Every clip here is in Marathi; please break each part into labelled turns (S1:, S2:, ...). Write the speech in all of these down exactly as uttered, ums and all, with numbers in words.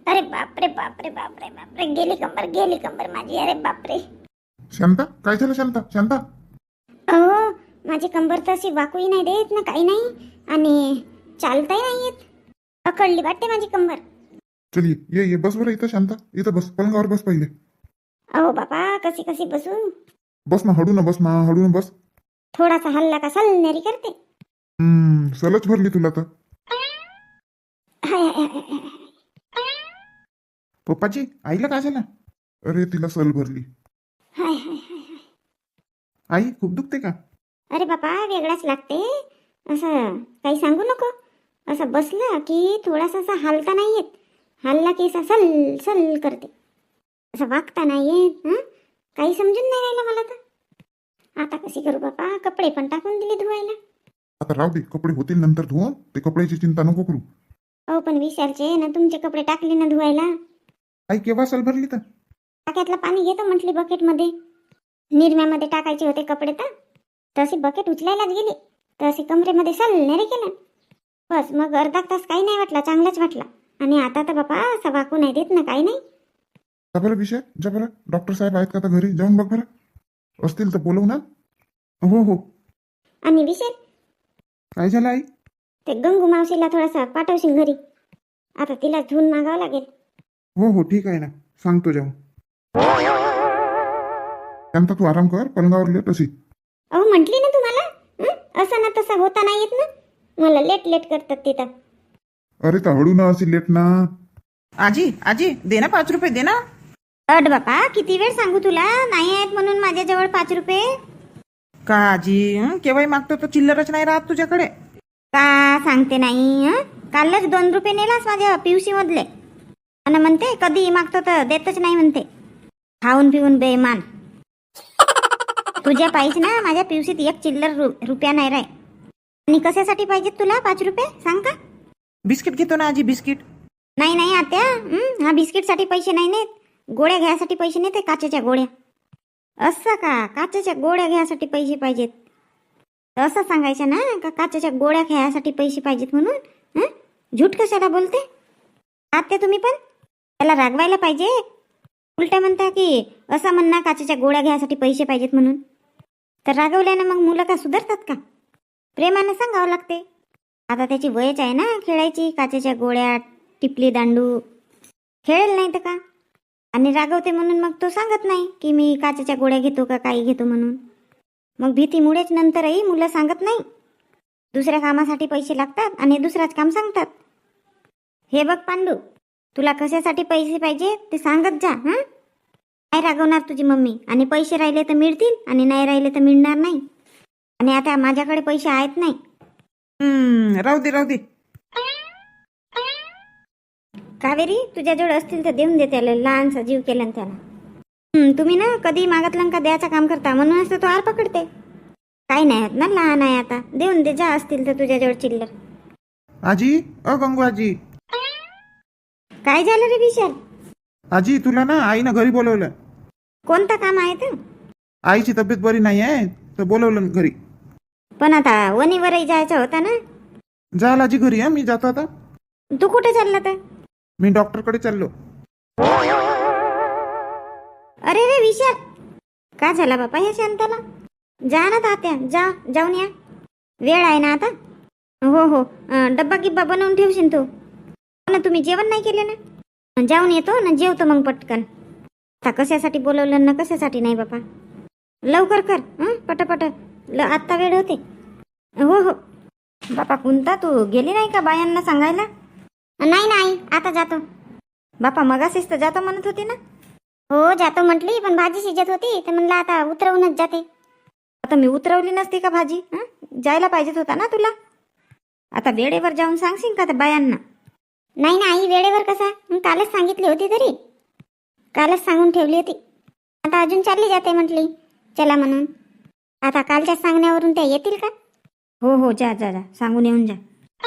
S1: अरे बापरे बापरे बापरे बापरे, गेली कंबर गेली कंबर माझी. अरे बापरे.
S2: शांता, काय झालं शांता? शांता,
S1: अहो, माझी कंबर तर अशी वाकूही नाही देत ना, काही नाही, आणि चालताही नाही येत. अकडली वाटते माझी कंबर.
S2: चल ये ये ये, बस बरं इथं. शांता, इथं बस, पलंगावर बस पहिले.
S1: अहो बापा, कशी कशी बसू.
S2: बस ना, हळू ना बस ना, हळू ना बस.
S1: थोडासा हल्ला का सलनेरी करते.
S2: हम्म सलच भरली तुला तर.
S1: हाय हाय हाय हाय हाय.
S2: पप्पाजी, आईला काय झालं? अरे तिला सल भरली.
S1: हाय हाय हाय हाय.
S2: आई, खूप दुखते का?
S1: अरे बापा, वेगळाच लागते. असं काही सांगू नको. असं बसलं की थोडासा असा हालता नाही येत. हल्ला की असा सल सल करते. असं वागता नाही येत. हं? काही समजून नाही राहिलं मला तर. आता कशी करू बापा, कपडे पण टाकून दिले धुवायला.
S2: आता राहू दे, कपडे होतील नंतर धुवून. ते कपड्याची चिंता नको करू.
S1: अहो पण विचारचे ना, तुमचे कपडे टाकले ना धुवायला.
S2: आई, केव्हा सल भरली तर?
S1: टाक्यातलं पाणी घेतो म्हटली बकेटमध्ये. निरम्यामध्ये टाकायचे होते कपडे तर तशी बकेट उचलायलाच गेली तर अशी कमरेमध्ये सलनेरी केलं. बस मग अर्धा तास काही नाही वाटला, चांगलाच वाटला. आणि आता तर बापा असा वाकू नाही देत ना, काही नाही.
S2: जा बरं विषय, जा बरं. डॉक्टर साहेब आहेत का आता घरी? जाऊन बघ बरं. असतील तर बोलवू ना. हो हो.
S1: आणि विशेष
S2: काय झालं आई?
S1: ते गंगू मावशीला थोडासा पाठवशील घरी. आता तिला धुवून मागावं लागेल.
S2: हो हो, ठीक आहे ना, सांगतो जाऊन. शांता, तू आराम कर, पलंगावर लेट अशी.
S1: अहो म्हटली ना तुम्हाला, हं? असं ना तसं होता नाही येत ना. मला लेट लेट करतात तिथं.
S2: अरे तर हळू ना, अशी लेट ना.
S3: आजी आजी दे ना पाच रुपये दे ना.
S1: अड बापा, किती वेळ सांगू तुला, नाही आहेत म्हणून माझ्याजवळ पाच रुपये.
S3: का आजी, हं? केव्हाही मागतो तर चिल्लरच नाही राहत तुझ्याकडे.
S1: का सांगते नाही. हं? कालच दोन रुपये नेलास माझ्या पिवशी मधले. आणि म्हणते कधी मागतो तर देतच नाही म्हणते. खाऊन पिऊन बेमान. तुझ्या पाहिजे ना, माझ्या पिवशीत एक चिल्लर रु, रुपया नाही राय. आणि कशासाठी पाहिजेत तुला पाच रुपये सांग का?
S3: बिस्किट घेतो ना आजी, बिस्किट.
S1: नाही नाही आत्या, हं? हा बिस्किटसाठी पैसे नाही नेत. गोळ्या घ्यायसाठी पैसे नेते, काचेच्या गोळ्या. असं का, काचेच्या गोळ्या घ्यायसाठी पैसे पाहिजेत. असं सांगायचं ना का काचेच्या गोळ्या घ्यायसाठी पैसे पाहिजेत म्हणून. हं? झूट कशाला बोलते आत्या तुम्ही पण? त्याला रागवायला पाहिजे. उलट्या म्हणता की असं म्हणणं काचेच्या गोळ्या घ्यायसाठी पैसे पाहिजेत म्हणून. तर रागवल्यानं मग मुलं का सुधारतात का? प्रेमाने सांगावं लागते. आता त्याची वयच आहे ना खेळायची. काचेच्या गोळ्या, टिपली दांडू खेळेल नाही तर का. आणि रागवते म्हणून मग तो सांगत नाही की मी काचेच्या गोळ्या घेतो का काही घेतो म्हणून. मग भीतीमुळेच नंतरही मुलं सांगत नाही. दुसऱ्या कामासाठी पैसे लागतात आणि दुसराच काम सांगतात. हे बघ पांडू, तुला कशासाठी पैसे पाहिजे ते सांगत जा. हं? नाही रागवणार तुझी मम्मी. आणि पैसे राहिले तर मिळतील आणि नाही राहिले तर मिळणार नाही. आणि आता माझ्याकडे पैसे आहेत नाही.
S3: हम्म राहू दे राहू दे.
S1: कावेरी, तुझ्याजवळ असतील तर देऊन दे त्याला. लहानसा जीव केला ना त्याला. हं, तुम्ही ना कधी मागतलं का द्यायचं काम करता म्हणूनच तर तो आर पकडते. काही नाही होत ना, लहान आहे आता. देऊन दे जा, असतील तर तुझ्याजवळ चिल्लर.
S3: आजी, अ गंगू आजी.
S1: काय झालं रे विशाल?
S3: आजी, तुला ना आईनं घरी बोलवलं.
S1: कोणतं काम आहे तर?
S3: आईची तब्येत बरी नाही आहे तर बोलवलं घरी.
S1: पण आता वणीवरही जायचं होता ना.
S3: जाल आजी घरी. हा, मी जातो आता.
S1: तू कुठे चालला तर?
S3: मी डॉक्टरकडे चाललो.
S1: अरे रे विशाल, काय झाला बापा ह्या शांताला? जा ना तात्या, जा, जाऊन या. वेळ आहे ना आता. हो हो, अं, डब्बा गिब्बा बनवून ठेवशील तू. हो ना, तुम्ही जेवण नाही केले ना. जाऊन येतो ना, जेवतो मग पटकन. आता कशासाठी बोलवलं ना कशासाठी नाही बापा. लवकर कर हं, पटापट. ल आत्ता वेळ होते. हो हो. बापा कोणता, तू गेली नाही का बायांना सांगायला? नाही नाही, आता जातो. बापा मगाशीच तर जातो म्हणत होती ना. हो जातो म्हटली, पण भाजी शिजत होती तर म्हणलं आता उतरवूनच जाते. आता मी उतरवली नसती का भाजी? हं? जायला पाहिजेत होता ना तुला. आता वेळेवर जाऊन सांगशील का त्या बायांना? नाही ना आई, वेळेवर कसा, कालच सांगितली होती तरी. कालच सांगून ठेवली होती. आता अजून चालली जाते म्हटली चला म्हणून. आता कालच्या सांगण्यावरून त्या येतील का?
S3: हो हो, जा जा जा, सांगून येऊन जा.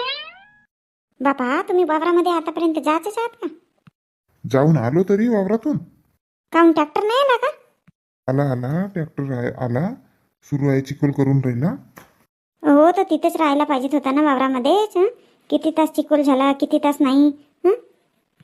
S1: बापा तुम्ही वावरामध्ये आतापर्यंत जायचंच आहात का?
S2: जाऊन आलो तरी वावरातून.
S1: काहून ट्रॅक्टर नाही आला का?
S2: आला आला, ट्रॅक्टर आहे आला. सुरू आहे, चिखल करून राहिला.
S1: हो तर तिथेच राहायला पाहिजेत होता ना वावरामध्येच. हं? किती तास चिखल झाला, किती तास नाही. हं?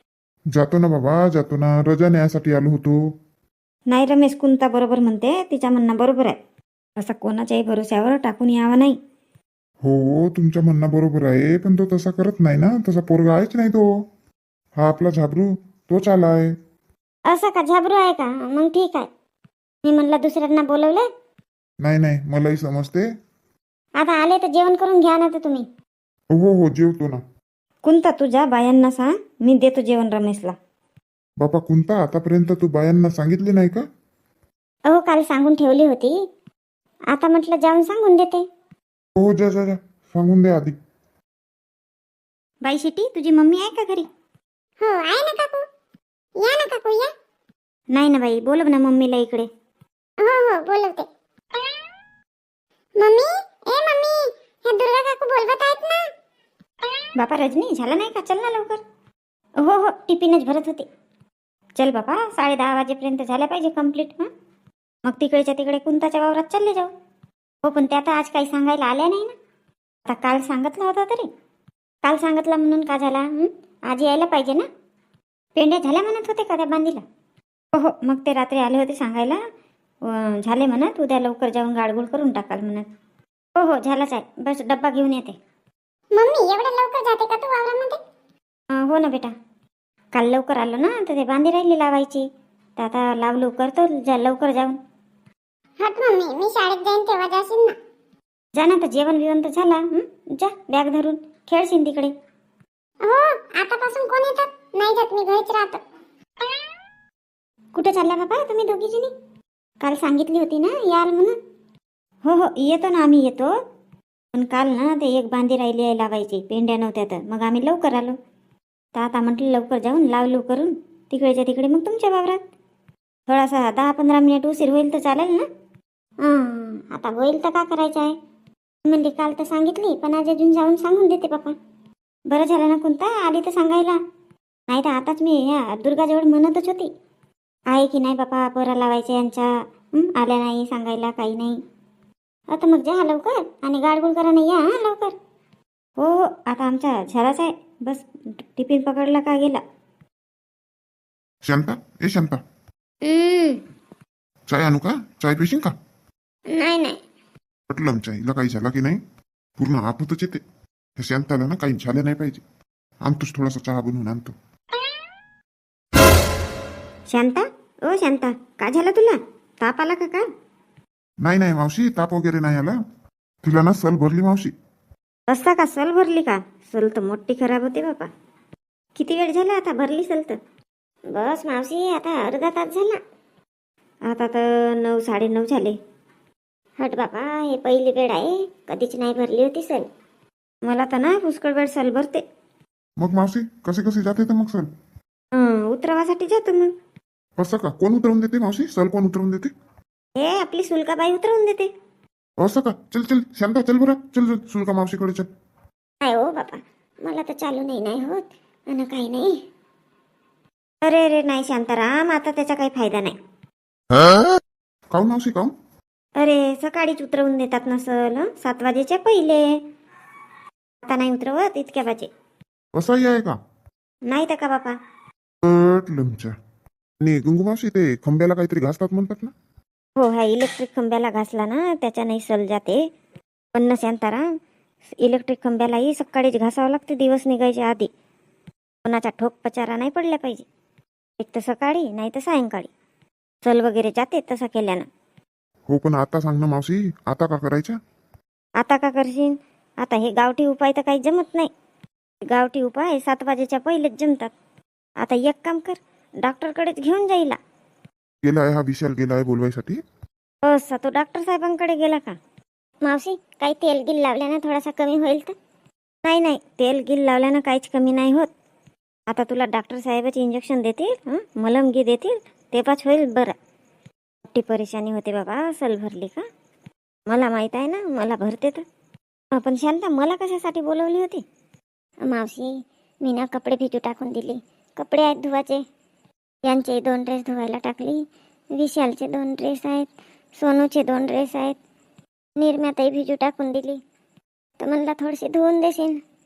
S2: जातो ना बाबा, जातो ना. रजा न्यायासाठी आलो होतो.
S1: नाही रमेश, कुंता बरोबर म्हणते, तिच्या म्हणणं बरोबर आहे. असं कोणाच्याही भरोश्यावर टाकून यावा नाही.
S2: हो, तुमच्या म्हणणं बरोबर आहे, पण तो तसा करत नाही ना. तसा पोरगा आहेच नाही तो. हा आपला झाबरू तोच आलाय.
S4: असं का? झाबरू आहे का? मग ठीक आहे. मी म्हणलं दुसऱ्यांना बोलवलं.
S2: नाही नाही, मलाही समजते.
S4: आता आले तर जेवण करून घ्या ना तर तुम्ही.
S2: हो हो, जेवतो ना.
S1: कुंता, तुझ्या बायांना सांग, मी देतो जेवण रमेशला.
S2: बापा कुंता, आतापर्यंत तू बायांना सांगितले नाही का?
S4: अहो, काल सांगून ठेवली होती. आता म्हटलं जाऊन सांगून देते.
S2: हो, जा जा जा, सांगून द्या आधी.
S1: बाई शेटी, तुझी मम्मी आहे का घरी?
S4: हो आहे ना काकू. या ना काकू या.
S1: नाही ना बाई, बोलव ना मम्मीला इकडे.
S4: हो हो बोलवते. मम्मी, ए मम्मी, हे दुर्गा काकू बोलवत आहेत ना.
S1: बापा रजनी, झालं नाही का? चल ना लवकर. हो हो, टिफिनच भरत होते. चल बापा, साडे दहा वाजेपर्यंत झाल्या पाहिजे कंप्लीट. हां, मग तिकडच्या तिकडे कुंताच्या वावरात चालले जाऊ. हो, पण त्या आता आज काही सांगायला आल्या नाही ना. आता काल सांगितलं होता तरी. काल सांगितलं म्हणून का झाला? हं? आज यायला पाहिजे ना. पेंड्या झाल्या म्हणत होते का त्या बांधीला? हो हो, मग ते रात्री आले होते सांगायला. अं, झाले म्हणत, उद्या लवकर जाऊन गाडगुड करून टाकाल म्हणत. हो हो, झालाच आहे. बस डब्बा घेऊन येते.
S4: मम्मी, एवढ्या लवकर जाते का तू वावरामध्ये?
S1: अं, हो ना बेटा, काल लवकर आलो ना, तर ते बांधी राहिली लावायची. तर आता लावलो करतो जा लवकर जाऊन.
S4: हट मम्मी, मी शाळेत जाईन तेव्हा जाशील ना.
S1: जा ना, तर जेवण बिवण तर झाला. हं? जा बॅग धरून खेळशील तिकडे.
S4: हो, आतापासून कोण येतात? नाही जात, मी घरीच राहतो.
S1: कुठे चालल्या बाबा तुम्ही दोघी जणी? काल सांगितली होती ना याल म्हणून. हो हो, येतो ना, आम्ही येतो. पण काल ना ते एक बांधी राहिली आहे लावायची, पेंड्या नव्हत्या तर मग आम्ही लवकर आलो. तर आता म्हटलं लवकर जाऊन लावलो करून तिकडेच्या तिकडे मग तुमच्या वावरात. थोडासा दहा पंधरा मिनिट उशीर होईल तर चालेल ना?
S4: हं, आता होईल तर का करायचं आहे. म्हणजे काल तर सांगितली, पण आज अजून जाऊन सांगून देते पप्पा.
S1: बरं झालं ना कोणता आली तर सांगायला. नाही तर आताच मी या दुर्गाजवळ म्हणतच होती, आहे की नाही बापा पोरा लावायच्या यांच्या. हं? आल्या नाही सांगायला, काही नाही. आता मग जा लवकर आणि गाडगुड करा नाही या हं, लवकर. हो हो, आता आमचा झालाच आहे. बस टिफिन पकडला का गेला.
S2: शांता, ए शांता,
S4: हं,
S2: चाय आणू का? चाय पिशील का?
S4: नाही नाही.
S2: पटलं चायला काही झाला की नाही, पूर्ण आपतच येते. त्या शांताला ना काही झालं नाही पाहिजे. आणतोच थोडासा चहा बनवून आणतो.
S1: शांता, ओ शांता, का झालं तुला? ताप आला का काय?
S2: नाही नाही मावशी, ताप वगैरे नाही आला. तिला ना सल भरली मावशी.
S1: रस्ता का सल भरली का? सल तर मोठी खराब होते बापा. किती वेळ झाला आता भरली सल तर?
S4: बस मावशी, आता अर्धा तास झाला.
S1: आता तर नऊ साडे नऊ झाले.
S4: हट बाबा, हे पहिली वेळ आहे, कधीच नाही भरली होती सल.
S1: मला तर ना पुष्कळ वेळ सल भरते.
S2: मग मावशी कसे कसे जाते तर मग सल?
S1: हं, उतरवासाठी जातो मग.
S2: असं का? कोण उतरवून देते मावशी? सल कोण उतरवून देते?
S1: हे आपली सुलकाबाई उतरवून देते.
S2: असं का? चल चल शांता, चल बरं, चल चल सुलका मावशीकडे चल.
S4: नाही हो बाबा, मला तर चालू नाही नाही होत आणि काही नाही.
S1: अरे अरे नाही शांताराम, आता त्याचा काही फायदा नाही.
S2: काऊन मावशी, काऊन?
S1: अरे सकाळीच उतरवून देतात नसल, हं? सात वाजेच्या पहिले. आता नाही उतरवत इतक्या वाजे.
S2: असाही आहे का?
S1: नाही तर का बापा.
S2: लमच्या. आणि गुंगू मावशी, ते खंब्याला काहीतरी घासतात म्हणतात ना?
S1: हो, ह्या इलेक्ट्रिक खंब्याला घासला ना त्याच्याने सल जाते. पण ना शांताराम, इलेक्ट्रिक खंब्यालाही सकाळीच घासावं लागते दिवस निघायच्या आधी. कोणाचा ठोक पचारा नाही पडला पाहिजे. एक तर सकाळी नाही तर सायंकाळी. सल वगैरे जाते तसा केल्यानं.
S2: हो, पण आता सांग ना मावशी, आता का करायच्या?
S1: आता का करशील? आता हे गावठी उपाय तर काही जमत नाही. गावठी उपाय सात वाजेच्या पहिलेच जमतात. आता एक काम कर, डॉक्टरकडेच घेऊन जाईला.
S2: गेलाय हा विशाल, गेलाय बोलवायसाठी.
S1: असा तो डॉक्टर साहेबांकडे गेला का?
S4: मावशी, काही तेल गिल लावल्यानं थोडासा कमी होईल तर?
S1: नाही नाही, तेल गिल लावल्यानं काहीच कमी नाही होत. आता तुला डॉक्टर साहेबच इंजेक्शन देतील, हं? मलमगी देतील, तेव्हाच होईल बरं. मोठी परेशानी होते बाबा सल भरली का. मला माहीत आहे ना, मला भरते तर. अं, पण शांता, मला कशासाठी बोलवली होती?
S4: मावशी, मी ना कपडे भिजू टाकून दिले. कपडे आहेत धुवाचे. यांचे दोन ड्रेस धुवायला टाकली. विशालचे दोन ड्रेस आहेत. सोनूचे दोन ड्रेस आहेत. निर्म्यातही भिजू टाकून दिली. तर म्हणला थोडीशी धुवून देशील.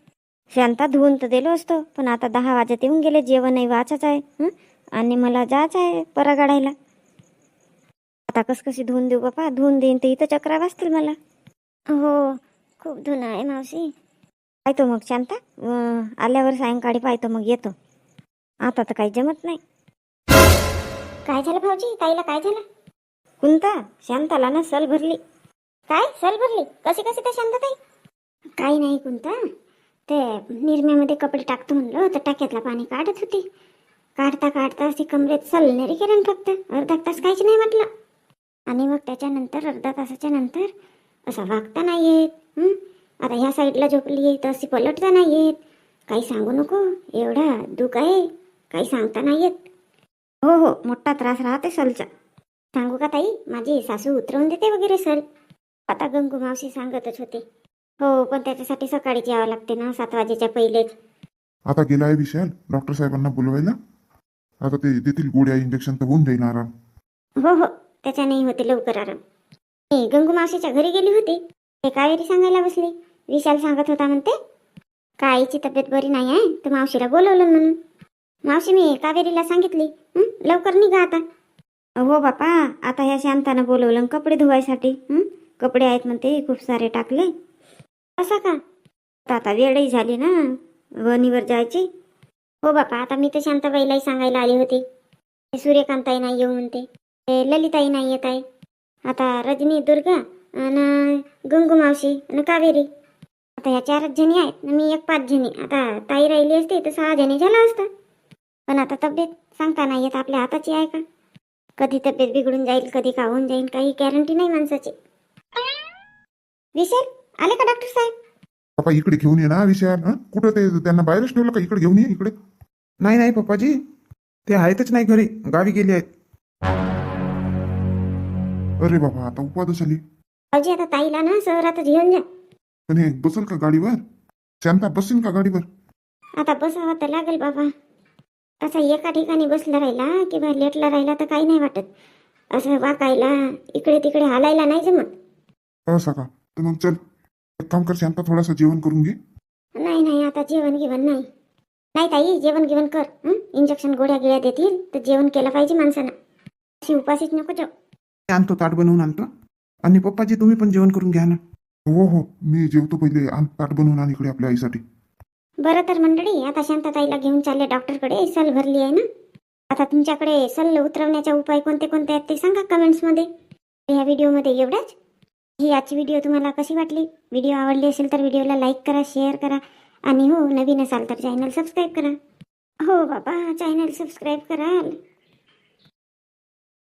S1: शांता धुवून तर दिलो असतो, पण आता दहा वाजत येऊन गेले, जेवणही वाचाच आहे हं? आणि मला जायचं आहे परा गाडायला. आता कस कशी धुवून देऊ बापा, धुवून देईन तर इथं चक्रा वाजतील मला.
S4: हो खूप धुणं आहे मावशी.
S1: पाहतो मग शांता, अं, आल्यावर सायंकाळी पाहतो, मग येतो. आता तर काही जमत नाही.
S4: काय झालं भाऊजी, ताईला काय झालं?
S1: कुंता, शांताला ना सल भरली.
S4: काय सल भरली? कशी कशी त्या शांतताई? काही नाही कोणता, ते निरम्यामध्ये कपडे टाकतो म्हणलं तर टाक्यातला पाणी काढत होती. काढता काढता अशी कमरेत सलनेरी केलं फक्त अर्धा तास काहीच नाही म्हटलं. आणि मग त्याच्यानंतर अर्धा तासाच्या नंतर असं वागता नाही येत. हं? आता ह्या साईडला झोपली तर अशी पलटता नाही येत. काही सांगू नको, एवढा दुःख आहे काही सांगता नाही येत.
S1: हो हो, मोठा त्रास राहते सलचा.
S4: सांगू का ताई, माझी सासू उतरवून देते वगैरे सल. आता गंगू मावशी सांगतच होते. हो, पण त्याच्यासाठी सकाळीच यावं लागते ना, सात वाजेच्या पहिलेच.
S2: आता गेला आहे विशाल डॉक्टर साहेबांना बोलवायला. आता ते देतील गोळ्या, इंजेक्शन, तर होऊन जाईल आराम.
S4: हो हो, त्याच्यानेही होते लवकर आराम. मी गंगू मावशीच्या घरी गेली होती, ते कावेरी सांगायला बसली. विशाल सांगत होता म्हणते का आईची तब्येत बरी नाही आहे तर मावशीला बोलवलं म्हणून. मावशी मी कावेरीला सांगितली, हं, लवकर निघा आता.
S1: हो बापा, आता ह्या शांतानं बोलवलं कपडे धुवायसाठी. हं? कपडे आहेत म्हणते खूप सारे टाकले.
S4: असं का?
S1: तर आता वेळही झाली ना वणीवर जायची.
S4: हो बापा, आता मी तर शांताबाईलाही सांगायला आली होती. ते सूर्यकांताई नाही येऊ म्हणते, ते ललिताई नाही येत आहे. आता रजनी, दुर्गा आणि गंगू मावशी आणि कावेरी, आता ह्या चारच जणी आहेत ना, मी एक पाच जणी. आता ताई राहिली असते तर सहा जणी झाला असता. पण आता तब्येत सांगता नाही येत, आपल्या हाताची आहे का? कधी तब्येत बिघडून जाईल, कधी का होऊन जाईल, काही गॅरंटी नाही माणसाची. विशाल आले का डॉक्टर साहेब?
S2: बापा इकडे घेऊन ये ना विशाल. हं? कुठं ते त्यांना बाहेरच ठेवलं का? इकडे घेऊन ये इकडे.
S3: नाही नाही पप्पाजी, ते आहेतच नाही घरी, गावी गेले आहेत.
S2: अरे बाबा, आता उपादच आली.
S4: भाऊजी आता ताईला ना शहरातच घेऊन जा.
S2: पण हे बसल का गाडीवर? शांता बसेल का गाडीवर?
S4: आता बसावं तर लागेल बाबा. असा एका ठिकाणी बसला राहिला किंवा लेटला राहिला तर काही नाही वाटत. असं वाकायला, इकडे तिकडे हालायला नाही जमत.
S2: असं का? तर मग चल एक काम कर शांता, थोडासा जेवण करून घे.
S4: नाही नाही, आता जेवण गिवण नाही. नाही ताई, जेवण गिवण कर. हं? इंजेक्शन गोळ्या गिळ्या देतील तर जेवण केलं पाहिजे माणसानं. अशी उपाशीच नको जाऊ.
S3: मी आणतो, ताट बनवून आणतो. आणि पप्पाजी तुम्ही पण जेवण करून घ्या ना.
S2: हो हो, मी जेवतो पहिले. आण ताट बनवून आण इकडे आपल्या आईसाठी.
S4: बरं तर मंडळी, आता शांताताईला घेऊन चालले डॉक्टरकडे. सल भरली आहे ना. आता तुमच्याकडे सल उतरवण्याचे उपाय कोणते कोणते आहेत ते सांगा कमेंट्समध्ये. ह्या व्हिडिओमध्ये एवढंच. ही आजची व्हिडिओ तुम्हाला कशी वाटली? व्हिडिओ आवडली असेल तर व्हिडिओला लाईक करा, शेअर करा. आणि हो, नवीन असाल तर चॅनल सबस्क्राईब करा. हो बाबा, चॅनल सबस्क्राईब करा.